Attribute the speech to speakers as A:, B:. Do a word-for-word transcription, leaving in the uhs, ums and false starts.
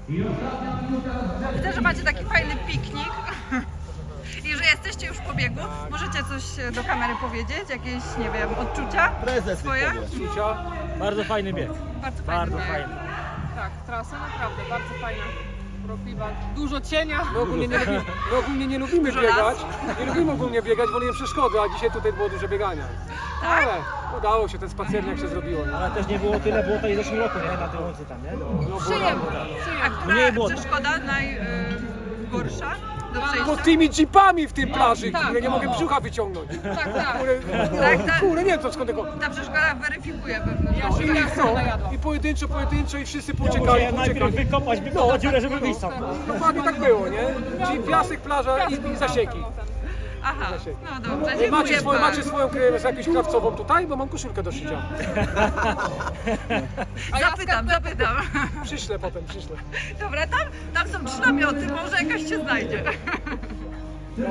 A: Widzę, że macie taki fajny piknik i że jesteście już po biegu. Możecie coś do kamery powiedzieć? Jakieś, nie wiem, odczucia
B: Prezes
A: swoje?
C: Czucia. Bardzo fajny bieg.
A: Bardzo fajny
C: Bardzo
A: bieg.
C: fajny.
D: Tak, trasa naprawdę bardzo fajna, urokliwa, dużo cienia. My ogólnie nie, lubi, my ogólnie nie lubimy
A: Dużo
D: biegać,
A: lasu.
D: nie lubimy ogólnie biegać, wolimy przeszkody, a dzisiaj tutaj było dużo biegania.
A: Tak?
D: Ale udało się, ten spacernik się zrobiło. Nie?
C: Ale też nie było tyle błota i w zeszłym roku, nie? Na tej łące tam, nie? No.
D: No, było
A: Przyjemnie.
D: tam,
A: A która
C: Mniej błota.
A: przeszkoda najgorsza do
D: Bo
A: przejścia?
D: tymi jeepami w tym plaży,
A: tak,
D: które nie
A: no,
D: mogę
A: no.
D: brzucha wyciągnąć.
A: Tak, tak.
D: Kurde,
A: Tak, tak.
D: kurde, nie wiem co skąd tego.
A: Ta przeszkoda weryfikuje pewne
D: No,
A: rzeczy.
D: i, co? I pojedynczo, pojedynczo i wszyscy
C: Ja
D: pouciekali,
C: musiałem najpierw
D: pouciekali.
C: wykopać, wykopać dziurę, żeby wyjść sam.
D: Dokładnie tak było, nie? Czyli piasek, plaża i, i zasieki.
A: Aha, no dobrze, dziękuję
D: Macie, swoje,
A: bardzo.
D: macie swoją kryjówkę jakąś krawcową tutaj, bo mam koszulkę do szycia.
A: Zapytam, zapytam.
D: Przyślę potem, przyślę.
A: Dobra, tam, tam są trzy namioty, może jakaś się znajdzie.